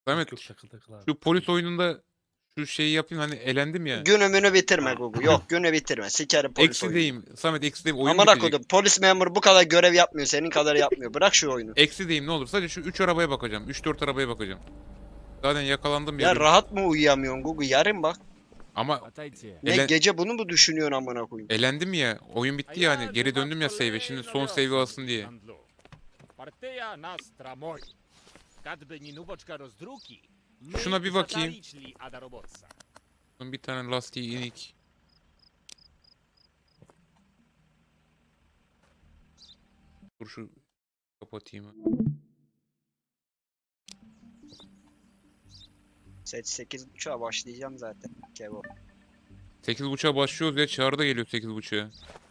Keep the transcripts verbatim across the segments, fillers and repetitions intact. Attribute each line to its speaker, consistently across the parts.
Speaker 1: Samet
Speaker 2: Yok takıl takıl abi.
Speaker 1: şu polis oyununda şu şeyi yapayım hani elendim ya.
Speaker 3: Günümünü bitirme Gugu. Yok günü bitirme. Sikerim polis
Speaker 1: Eksi
Speaker 3: oyunu.
Speaker 1: deyim. Samet eksi deyim. Oyun
Speaker 3: Amına
Speaker 1: bitecek.
Speaker 3: koydum. Polis memuru bu kadar görev yapmıyor. Senin kadar yapmıyor. Bırak şu oyunu.
Speaker 1: Eksi deyim ne olur. Sadece şu üç arabaya bakacağım. üç dört arabaya bakacağım. Zaten yakalandım ya.
Speaker 3: Ya
Speaker 1: bir-
Speaker 3: rahat mı uyuyamıyorsun Gugu? Yarın bak.
Speaker 1: Ama
Speaker 3: Ne
Speaker 1: Ele-
Speaker 3: gece bunu mu düşünüyorsun amına koyayım?
Speaker 1: elendim ya. Oyun bitti ya hani. Geri döndüm ya save'e. Şimdi son save'i alsın diye.
Speaker 4: Partia nastra moi. Kadby nie nuboczka rozdruki.
Speaker 1: Şuna bir bakayım.
Speaker 4: zataliczli ada robotsa.
Speaker 1: Bir tane lastiği inik. Dur şu kapatayım.
Speaker 3: Set sekiz buçuğa başlayacağım zaten. Kevo.
Speaker 1: sekiz buçuğa başlıyoruz ya. Çağrı da geliyor sekiz buçuğa.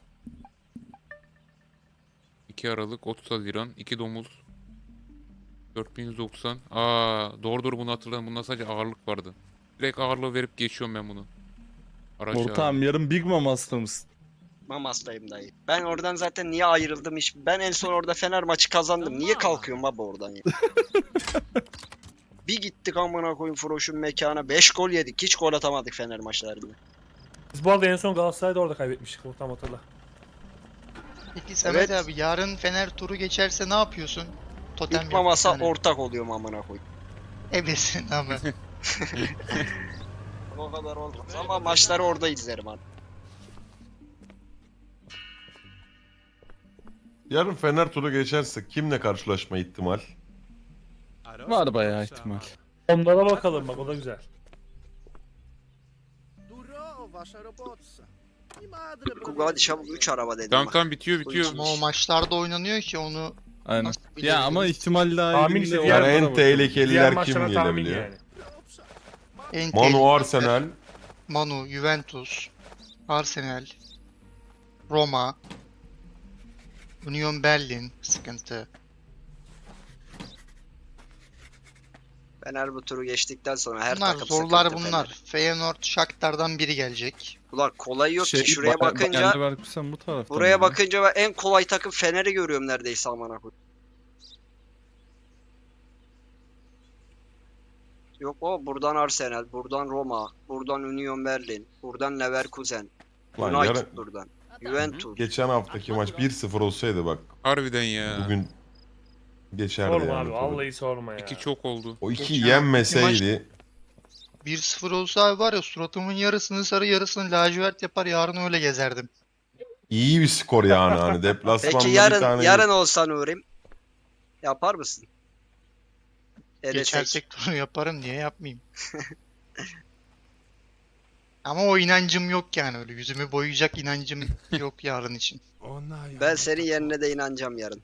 Speaker 1: iki Aralık otuz Haziran. iki domuz. dört bin yüz doksan. Aa, doğru doğru bunu hatırladım. Bunda sadece ağırlık vardı. Direkt ağırlığı verip geçiyorum ben bunu. Araç ağırlığı.
Speaker 2: Ortağım yarın Big Mom hasta mısın?
Speaker 3: Mamastayım dayı. Ben oradan zaten niye ayrıldım hiç? Ben en son orada Fener maçı kazandım. Niye kalkıyorum baba oradan ya? Bir gittik amına koyayım Froş'un mekana. beş gol yedik. Hiç gol atamadık Fener maçlarında.
Speaker 2: Biz bu arada en son Galatasaray'da orada kaybetmiştik. Tam hatırla.
Speaker 5: Peki Samet
Speaker 3: Evet.
Speaker 5: abi yarın Fener turu geçerse ne yapıyorsun? Totem
Speaker 3: İlk
Speaker 5: yap bir
Speaker 3: masa
Speaker 5: tane.
Speaker 3: ortak oluyorum amına koyayım.
Speaker 5: Ebesin ama.
Speaker 3: O kadar olmaz ama maçları orada izlerim abi.
Speaker 6: Yarın Fener turu geçerse kimle karşılaşma ihtimal?
Speaker 2: Var bayağı ihtimal. Onlara bakalım bak o da güzel.
Speaker 4: Duro wasza robotsa. I madre
Speaker 3: Gugu hadi çabuk üç araba dedim
Speaker 1: Tamam
Speaker 3: bak.
Speaker 1: tamam bitiyor bitiyor.
Speaker 5: Ama o maçlarda oynanıyor ki onu
Speaker 2: Aynen.
Speaker 5: nasıl
Speaker 2: Ya
Speaker 5: bilebiliriz?
Speaker 2: ama ihtimal
Speaker 1: Hani
Speaker 2: dahilinde
Speaker 7: Tahmin işte,
Speaker 2: o-
Speaker 7: diğer-
Speaker 6: Yani en
Speaker 7: Diğer
Speaker 6: tehlikeliler kim
Speaker 7: maçlara tahmin
Speaker 6: gelebiliyor?
Speaker 7: yani.
Speaker 5: En
Speaker 6: Manu
Speaker 5: tehlikeli-
Speaker 6: Arsenal.
Speaker 5: Manu, Juventus, Arsenal, Roma, Union Berlin sıkıntı.
Speaker 3: Fener bu turu geçtikten sonra her
Speaker 5: Bunlar
Speaker 3: takım
Speaker 5: zorlar
Speaker 3: sıkıntı
Speaker 5: bunlar.
Speaker 3: Fener.
Speaker 5: Feyenoord, Shakhtar'dan biri gelecek.
Speaker 3: Ulan kolay yok
Speaker 2: Şey,
Speaker 3: ki şuraya
Speaker 2: Bayer-
Speaker 3: bakınca
Speaker 2: Bayer Leverkusen bu tarafta
Speaker 3: buraya
Speaker 2: mıydı?
Speaker 3: bakınca ben en kolay takım Fener'i görüyorum neredeyse amına koyayım. Yok o buradan Arsenal, buradan Roma, buradan Union Berlin, buradan Leverkusen,
Speaker 6: Lan
Speaker 3: United
Speaker 6: yarın,
Speaker 3: buradan, Juventus.
Speaker 6: geçen haftaki maç bir sıfır olsaydı bak
Speaker 1: Harbiden ya.
Speaker 6: bugün geçerdi
Speaker 7: Sorma
Speaker 6: yani
Speaker 7: abi
Speaker 6: turu.
Speaker 7: vallahi sorma ya.
Speaker 1: İki çok oldu.
Speaker 6: O iki
Speaker 5: Geçen
Speaker 6: yenmeseydi
Speaker 5: bir sıfır olsa abi var ya suratımın yarısını sarı yarısını lacivert yapar yarın öyle gezerdim.
Speaker 6: iyi bir skor yani hani deplasmanda
Speaker 3: Peki
Speaker 6: bir
Speaker 3: yarın
Speaker 6: tane
Speaker 3: yarın olsa Nurim yapar mısın? Elesek.
Speaker 5: Geçersek turu yaparım diye yapmayayım. Ama o inancım yok yani öyle yüzümü boyayacak inancım yok yarın için.
Speaker 3: Ben senin yerine de inanacağım yarın.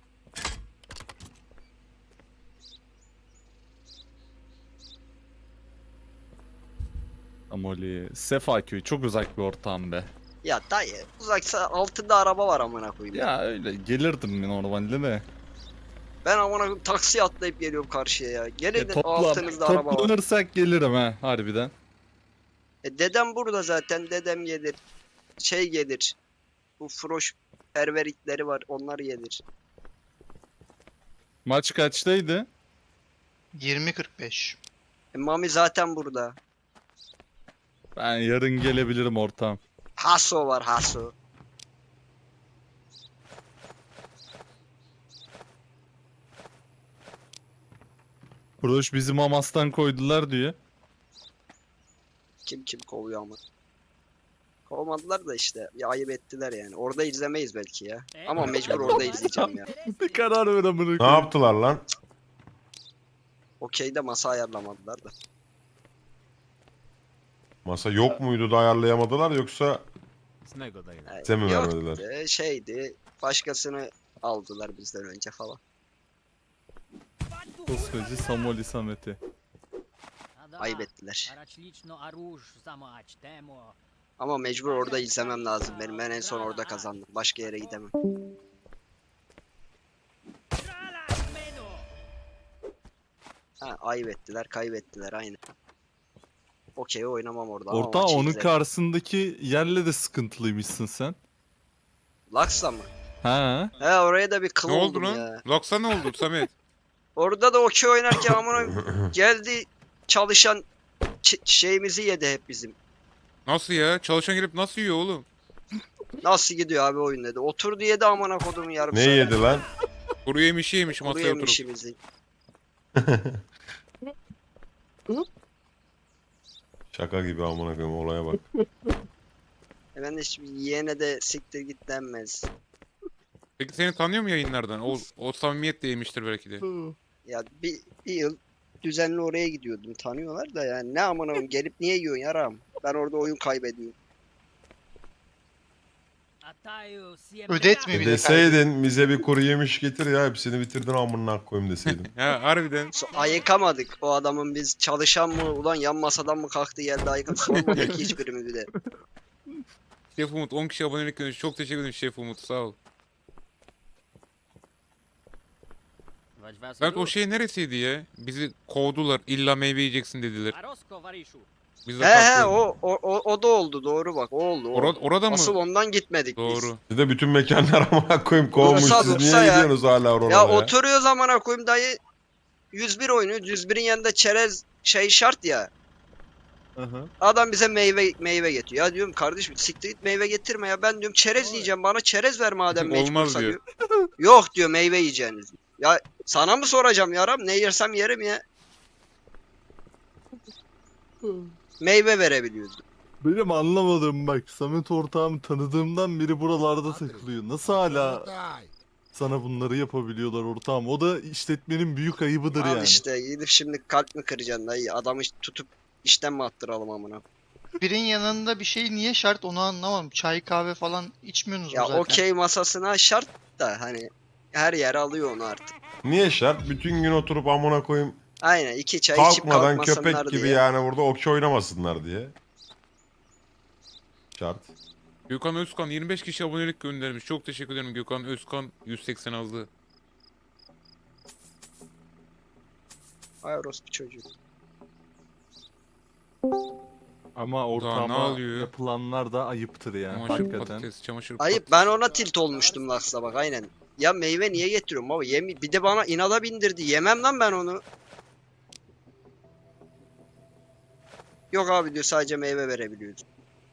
Speaker 2: Amoli. Sefaköy çok uzak bir ortam be.
Speaker 3: Ya dayı uzaksa altında araba var amına koyayım.
Speaker 2: Ya öyle gelirdim normalde de.
Speaker 3: Ben amına koyayım taksiye atlayıp geliyorum karşıya ya. Gelin
Speaker 2: E,
Speaker 3: de
Speaker 2: topla,
Speaker 3: altınızda araba var.
Speaker 2: toplanırsak gelirim ha harbiden.
Speaker 3: E, dedem burada zaten dedem gelir. Şey gelir. Bu froş perveritleri var onlar gelir.
Speaker 2: Maç kaçtaydı?
Speaker 5: yirmi kırk beş.
Speaker 3: E, Mami zaten burada.
Speaker 2: Ben yarın gelebilirim ortam.
Speaker 3: Haso var Haso.
Speaker 2: Proş bizim Amas'tan koydular diyor.
Speaker 3: Kim kim kovuyor ama. Kovmadılar da işte. Ya ayıp ettiler yani. Orada izlemeyiz belki ya. Ama mecbur orada izleyeceğim ya.
Speaker 2: Bir karar ver amına
Speaker 6: ne
Speaker 2: koyayım.
Speaker 6: yaptılar lan?
Speaker 3: Okeyde masa ayarlamadılar da.
Speaker 6: Masa yok muydu da ayarlayamadılar yoksa
Speaker 4: Znego daje.
Speaker 3: Yani
Speaker 6: Size mi
Speaker 3: yok,
Speaker 6: vermediler?
Speaker 3: e, şeydi. Başkasını aldılar bizden önce falan.
Speaker 2: Koskoca Samoli Samet'i.
Speaker 3: Ayıp ettiler.
Speaker 8: Araçlično aruž zamać temo.
Speaker 3: Ama mecbur orada izlemem lazım benim. Ben en son orada kazandım. Başka yere gidemem. Ha, ayıp ettiler, kaybettiler aynı. Okey oynamam orada ama
Speaker 2: Orta
Speaker 3: maçı
Speaker 2: onun
Speaker 3: izlerim.
Speaker 2: karşısındaki yerle de sıkıntılıymışsın sen.
Speaker 3: Laksa mı?
Speaker 2: Ha?
Speaker 3: He oraya da bir kıl
Speaker 1: Ne oldu
Speaker 3: oldum
Speaker 1: lan?
Speaker 3: ya.
Speaker 1: Laksa ne oldu Samet?
Speaker 3: Orada da okey oynarken amına geldi çalışan ç- şeyimizi yedi hep bizim.
Speaker 1: Nasıl ya? Çalışan gelip nasıl yiyor oğlum?
Speaker 3: Nasıl gidiyor abi oyun dedi. Oturdu yedi amına kodumun yarım
Speaker 6: Ne
Speaker 3: saat.
Speaker 6: yedi lan?
Speaker 1: Kuru yemişi yemiş
Speaker 3: Kuru
Speaker 1: masaya oturup.
Speaker 3: yemişimizi.
Speaker 6: Şaka gibi amına koyayım olaya bak.
Speaker 3: E ben de şimdi yeğene de siktir git denmez.
Speaker 1: Peki seni tanıyor mu yayınlardan? O, o samimiyet de yemiştir belki de.
Speaker 3: Ya bir, bir yıl düzenli oraya gidiyordum. Tanıyorlar da yani ne amına koyayım gelip niye yiyorsun yaram? Ben orada oyun kaybediyorum.
Speaker 8: Atayo siempre
Speaker 5: Ödetme bir de
Speaker 6: Deseydin bize bir kuru yemiş getir ya hepsini bitirdin amına koyayım deseydin.
Speaker 1: Ha harbiden.
Speaker 3: So, ayıkamadık o adamın biz çalışan mı ulan yan masadan mı kalktı geldi ayıkam sormadık ki hiçbirimizi de.
Speaker 1: Şef Umut on kişi abonelik göndermiş. Çok teşekkür ederim Şef Umut sağ ol.
Speaker 8: Vagy vás
Speaker 1: Samet o şey neresiydi ya? Bizi kovdular. İlla meyve yiyeceksin dediler.
Speaker 8: Arosko varishu.
Speaker 1: Biz de
Speaker 3: He he
Speaker 1: kalktık.
Speaker 3: o, o, o, o da oldu doğru bak o oldu. O.
Speaker 1: Orada, orada mı?
Speaker 3: Asıl ondan gitmedik biz.
Speaker 1: Doğru.
Speaker 6: Siz de bütün mekanlar amına koyayım kovmuş.
Speaker 3: Dursa
Speaker 6: Siz
Speaker 3: dursa
Speaker 6: niye
Speaker 3: ya.
Speaker 6: gidiyorsunuz hala oralara
Speaker 3: Ya
Speaker 6: ya?
Speaker 3: oturuyor zamana koyayım dayı yüz bir oynuyor. yüz birin yanında çerez şey şart ya. Adam bize meyve meyve getiriyor. Ya diyorum kardeşim siktir git meyve getirme ya. Ben diyorum çerez yiyeceğim. Bana çerez ver madem
Speaker 1: Olmaz
Speaker 3: mecbursa
Speaker 1: diyor.
Speaker 3: diyor. Yok diyor meyve yiyeceğiniz. Ya sana mı soracağım yaram? Ne yersem yerim ya. Meyve verebiliyoruz.
Speaker 2: Benim anlamadığım bak Samet ortağım tanıdığımdan beri buralarda takılıyor. Nasıl hala sana bunları yapabiliyorlar ortağım? O da işletmenin büyük ayıbıdır
Speaker 3: Al
Speaker 2: yani.
Speaker 3: işte gidip şimdi kalp mi kıracaksın dayı? Adamı tutup işten mi attıralım amına?
Speaker 5: Birin yanında bir şey niye şart onu anlamadım. Çay kahve falan içmiyorsunuz mu
Speaker 3: Ya
Speaker 5: zaten?
Speaker 3: okey masasına şart da hani her yer alıyor onu artık.
Speaker 6: Niye şart? Bütün gün oturup amına koyayım
Speaker 3: Aynen iki çay içip
Speaker 6: kalkmadan
Speaker 3: kalkmasınlar
Speaker 6: köpek gibi
Speaker 3: diye.
Speaker 6: yani burada okey oynamasınlar diye. Şart.
Speaker 1: Gökhan Özkan yirmi beş kişi abonelik göndermiş. Çok teşekkür ederim Gökhan Özkan yüz seksen aldı.
Speaker 3: Ay orospu çocuğu.
Speaker 2: Ama
Speaker 1: ne
Speaker 2: ortağıma
Speaker 1: alıyor?
Speaker 2: yapılanlar da ayıptır yani
Speaker 1: Çamaşır
Speaker 2: hakikaten.
Speaker 1: patates, çamaşır
Speaker 3: Ayıp
Speaker 1: patates.
Speaker 3: ben ona tilt olmuştum Laks'a bak aynen. Ya meyve niye getiriyorum baba? Yemi bir de bana inada bindirdi. Yemem lan ben onu. Yok abi diyor sadece meyve verebiliyoruz.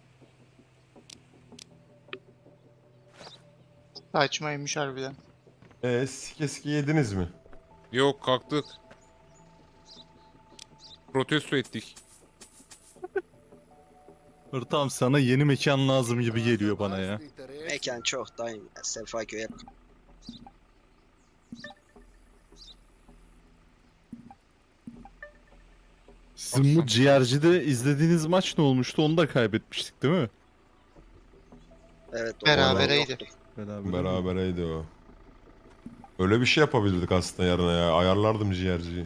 Speaker 5: Saçmaymış harbiden.
Speaker 6: Eee sike sike yediniz mi?
Speaker 1: Yok kalktık. Protesto ettik.
Speaker 2: Ortağım sana yeni mekan lazım gibi geliyor bana ya.
Speaker 3: Mekan çok dayım ya. Sefaköy hep.
Speaker 2: Sizin bu
Speaker 1: Baksana.
Speaker 2: ciğercide izlediğiniz maç ne olmuştu? Onu da kaybetmiştik değil mi?
Speaker 3: Evet. o
Speaker 5: Berabereydi.
Speaker 3: yoktu.
Speaker 2: Beraber.
Speaker 6: Berabereydi o. Öyle bir şey yapabilirdik aslında yarına ya. Ayarlardım ciğerciyi.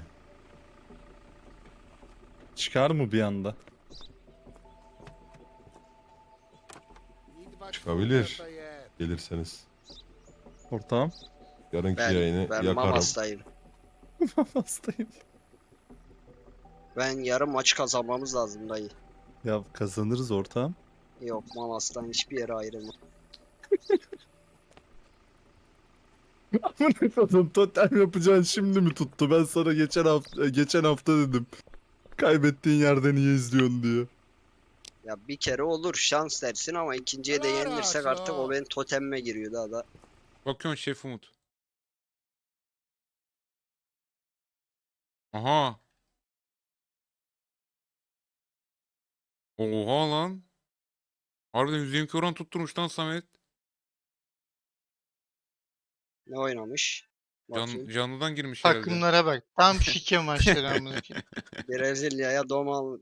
Speaker 2: Çıkar mı bir anda?
Speaker 6: Çıkabilir. Gelirseniz.
Speaker 2: Ortağım.
Speaker 6: Yarınki
Speaker 3: Ben,
Speaker 6: yayını
Speaker 3: ben
Speaker 6: yakarım.
Speaker 3: Mamas'tayım.
Speaker 2: Hastayım.
Speaker 3: Ben yarın maç kazanmamız lazım dayı.
Speaker 2: Ya kazanırız ortağım.
Speaker 3: Yok Mamas'tan hiçbir yere ayrılma.
Speaker 2: Amına koydum totem yapacağın şimdi mi tuttu? Ben sana geçen hafta geçen hafta dedim. Kaybettiğin yerde niye izliyorsun diye.
Speaker 3: Ya bir kere olur şans dersin ama ikinciye de yenilirsek artık o benim totemime giriyor daha da.
Speaker 1: Bakıyorsun Şef Umut. Aha. Oha lan. Harbiden yüz yirmi iki oran tutturmuş lan Samet.
Speaker 3: Ne oynamış?
Speaker 1: Can,
Speaker 3: Bakayım.
Speaker 1: canlıdan girmiş herhalde.
Speaker 5: Takımlara bak. Tam şike maçları amına koyayım.
Speaker 3: Brezilya'ya domal.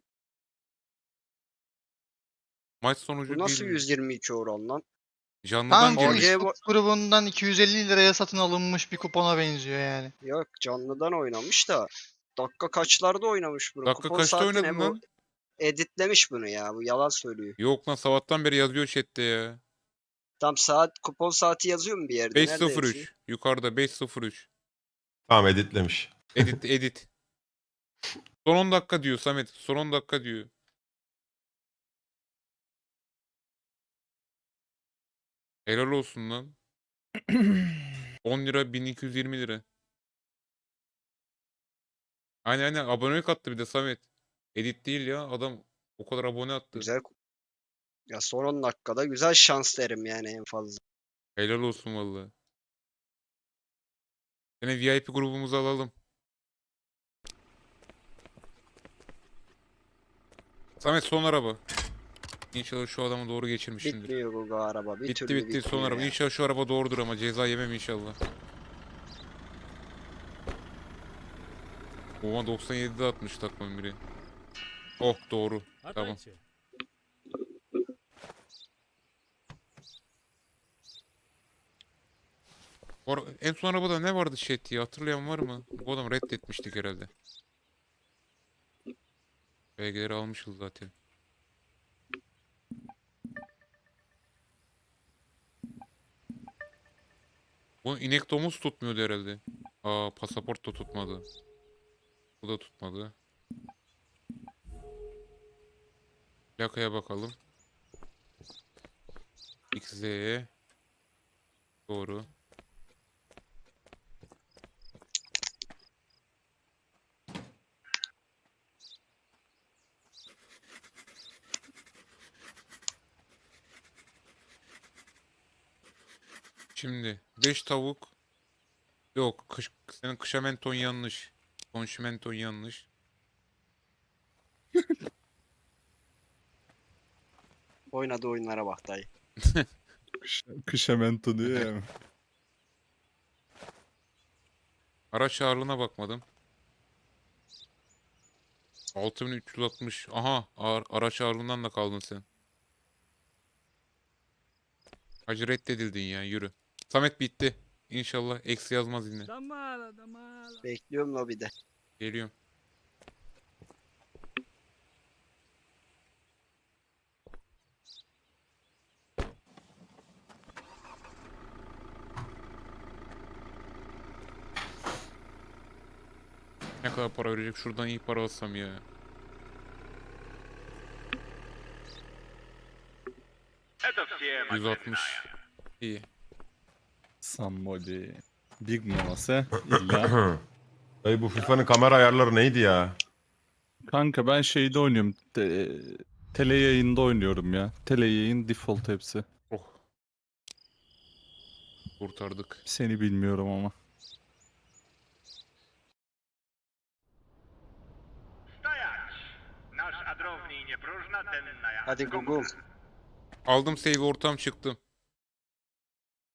Speaker 1: Maç sonucu
Speaker 3: Bu nasıl
Speaker 1: bir
Speaker 3: yüz yirmi iki oran lan?
Speaker 1: canlıdan
Speaker 5: Tam
Speaker 1: girmiş.
Speaker 3: Oraya
Speaker 5: Facebook grubundan iki yüz elli liraya satın alınmış bir kupona benziyor yani.
Speaker 3: Yok canlıdan oynamış da. Dakika kaçlarda oynamış bunu?
Speaker 1: Dakika
Speaker 3: Kupon
Speaker 1: kaçta
Speaker 3: saati
Speaker 1: oynadın
Speaker 3: ne bu?
Speaker 1: lan?
Speaker 3: Editlemiş bunu ya. Bu yalan söylüyor.
Speaker 1: Yok lan sabahtan beri yazıyor chatte ya.
Speaker 3: Tam saat kupon saati yazıyor mu bir yerde? Nerede yazıyor?
Speaker 1: beş sıfır üç. Yukarıda beş sıfır üç.
Speaker 6: Tamam editlemiş.
Speaker 1: Edit edit. Son on dakika diyor Samet. Son on dakika diyor. Helal olsun lan. on lira bin iki yüz yirmi lira. Aynen aynen abonelik attı bir de Samet. Edit değil ya. Adam o kadar abone attı.
Speaker 3: Güzel. Ya son on dakikada güzel şans derim yani en fazla.
Speaker 1: Helal olsun vallahi. Yine V I P grubumuzu alalım. Samet son araba. İnşallah şu adamı doğru geçirmişimdir.
Speaker 3: Bitmiyor bu araba. Bir
Speaker 1: Bitti
Speaker 3: türlü
Speaker 1: bitti son
Speaker 3: bitmiyor
Speaker 1: araba.
Speaker 3: ya.
Speaker 1: İnşallah şu araba doğrudur ama ceza yemem inşallah. Oha doksan yedide atmış takmanın biri. Oh doğru. Tamam.
Speaker 4: Latajcie.
Speaker 1: Bu ara- en son arabada ne vardı chat diye hatırlayan var mı? Bu adam reddetmiştik herhalde. Belgeleri almışız zaten. Bu inek domuz tutmuyordu herhalde. Aa pasaport da tutmadı. Bu da tutmadı. Plakaya bakalım. X Z. Doğru. Şimdi beş tavuk. Yok, kış, senin kışamenton yanlış. Konşimenton yanlış.
Speaker 3: Oynadığı oyunlara bak dayı.
Speaker 2: Kış, kışamento diyor ya.
Speaker 1: Araç ağırlığına bakmadım. altı bin üç yüz altmış. Aha, ağır, araç ağırlığından da kaldın sen. Hacı reddedildin ya, yürü. Samet bitti. İnşallah eksi yazmaz yine.
Speaker 8: Da mala, da mala.
Speaker 3: Bekliyorum lobide.
Speaker 1: Geliyorum. Ne kadar para verecek? Şuradan iyi para alsam ya. yüz altmış. İyi.
Speaker 2: Somebody. Big Momase illa.
Speaker 6: Dayı bu FIFA'nın kamera ayarları neydi ya?
Speaker 2: Kanka ben şeyde oynuyorum. Te, tele yayında oynuyorum ya. Tele yayın default hepsi.
Speaker 1: Oh. Kurtardık.
Speaker 2: Seni bilmiyorum ama.
Speaker 3: Hadi Google.
Speaker 1: Aldım save ortam çıktım.